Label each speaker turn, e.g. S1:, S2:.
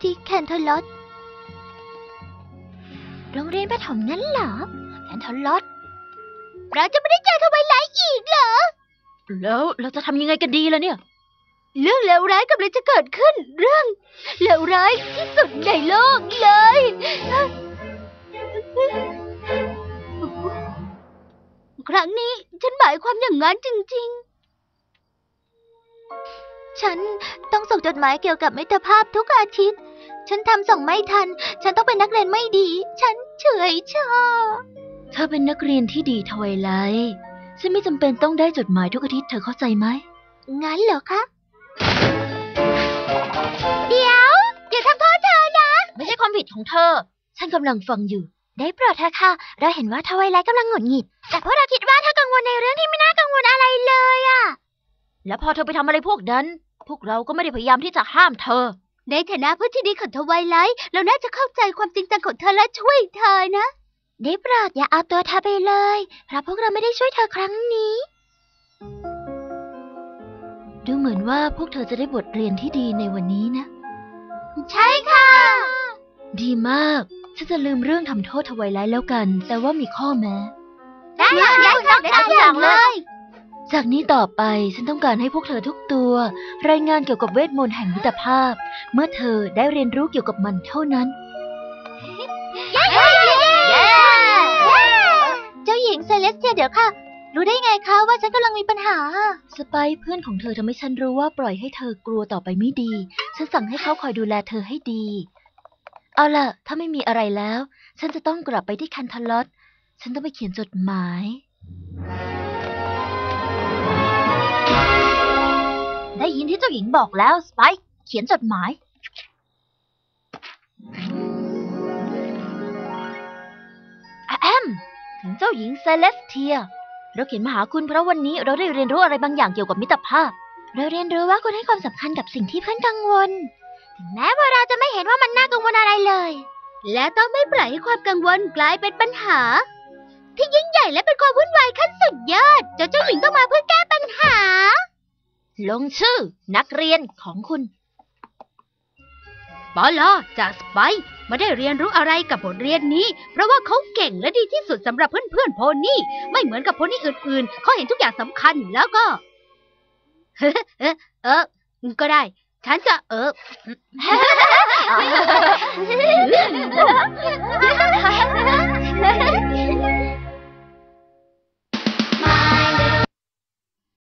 S1: ที่แคนเทอร์ลอตโรงเรียนประถมงั้นเหรอแคนเทอร์ลอตเราจะไม่ได้เจอทวายไลท์อีกเหรอ
S2: แล้วเราจะทำยังไงกันดีล่ะเนี่ย
S1: เรื่องเลวร้ายกำลังจะเกิดขึ้นเรื่องเลวร้ายที่สุดในโลกเลยครั้งนี้ฉันหมายความอย่างนั้นจริงๆฉันต้องส่งจดหมายเกี่ยวกับมิตรภาพทุกอาทิตย์ฉันทำส่งไม่ทันฉันต้องเป็นนักเรียนไม่ดีฉันเฉยชา
S2: เธอเป็นนักเรียนที่ดีทวายไลท์ฉันไม่จำเป็นต้องได้จดหมายทุกอาทิตย์เธอเข้าใจไหม
S1: งั้นเหรอคะเดี๋ยวอย่าทำโทษเธอนะ
S2: ไม่ใช่ความผิดของเธอฉันกำลังฟังอยู่
S1: ได้โปรดเถอะค่ะเราเห็นว่าทวายไลท์กำลังหงุดหงิดแต่พวกเราคิดว่าเธอกังวลในเรื่องที่ไม่น่ากังวลอะไรเลยอะ
S2: แล้วพอเธอไปทำอะไรพวกนั้นพวกเราก็ไม่ได้พยายามที่จะห้ามเธอ
S1: ในฐานะเพื่อนที่ดีของทวายไลท์เราน่าจะเข้าใจความจริงจังของเธอและช่วยเธอนะได้โปรดอย่าเอาตัวเธอไปเลยเพราะพวกเราไม่ได้ช่วยเธอครั้งนี้
S2: ดูเหมือนว่าพวกเธอจะได้บทเรียนที่ดีในวันนี้นะ
S1: ใช่ค่ะ
S2: ดีมากฉันจะลืมเรื่องทำโทษทวายไลท์แล้วกันแต่ว่ามีข้อแม้
S1: ได้อย่างเลย
S2: จากนี้ต่อไปฉันต้องการให้พวกเธอทุกตัวรายงานเกี่ยวกับเวทมนต์แห่งมิตรภาพเมื่อเธอได้เรียนรู้เกี่ยวกับมันเท่านั้น
S1: เจ้าหญิงเซเลสเทียเดี๋ยวค่ะรู้ได้ไงคะว่าฉันกำลังมีปัญหา
S2: สไปซ์เพื่อนของเธอทำให้ฉันรู้ว่าปล่อยให้เธอกลัวต่อไปไม่ดีฉันสั่งให้เขาคอยดูแลเธอให้ดีเอาล่ะถ้าไม่มีอะไรแล้วฉันจะต้องกลับไปที่แคนเทอร์ลอตฉันต้องไปเขียนจดหมายได้ยินที่เจ้าหญิงบอกแล้วสไปซ์เขียนจดหมายถึงเจ้าหญิงเซเลสเทียเราเขียนมาหาคุณเพราะวันนี้เราได้เรียนรู้อะไรบางอย่างเกี่ยวกับมิตรภาพ
S1: เราเรียนรู้ว่าคุณให้ความสำคัญกับสิ่งที่เพื่อนกังวลถึงแม้ว่าเราจะไม่เห็นว่ามันน่ากังวลอะไรเลยและต้องไม่ปล่อยให้ความกังวลกลายเป็นปัญหาที่ยิ่งใหญ่และเป็นความวุ่นวายขั้นสุดยอดเจ้าหญิงต้องมาเพื่อแก้ปัญหา
S2: ลงชื่อนักเรียนของคุณ
S3: ปอลอจากสไปซ์ไม่ได้เรียนรู้อะไรกับบทเรียนนี้เพราะว่าเขาเก่งและดีที่สุดสำหรับเพื่อนๆโพนี่ไม่เหมือนกับโพนี่อื่นๆเขาเห็นทุกอย่างสำคัญแล้วก็ก็ได้ฉันจะ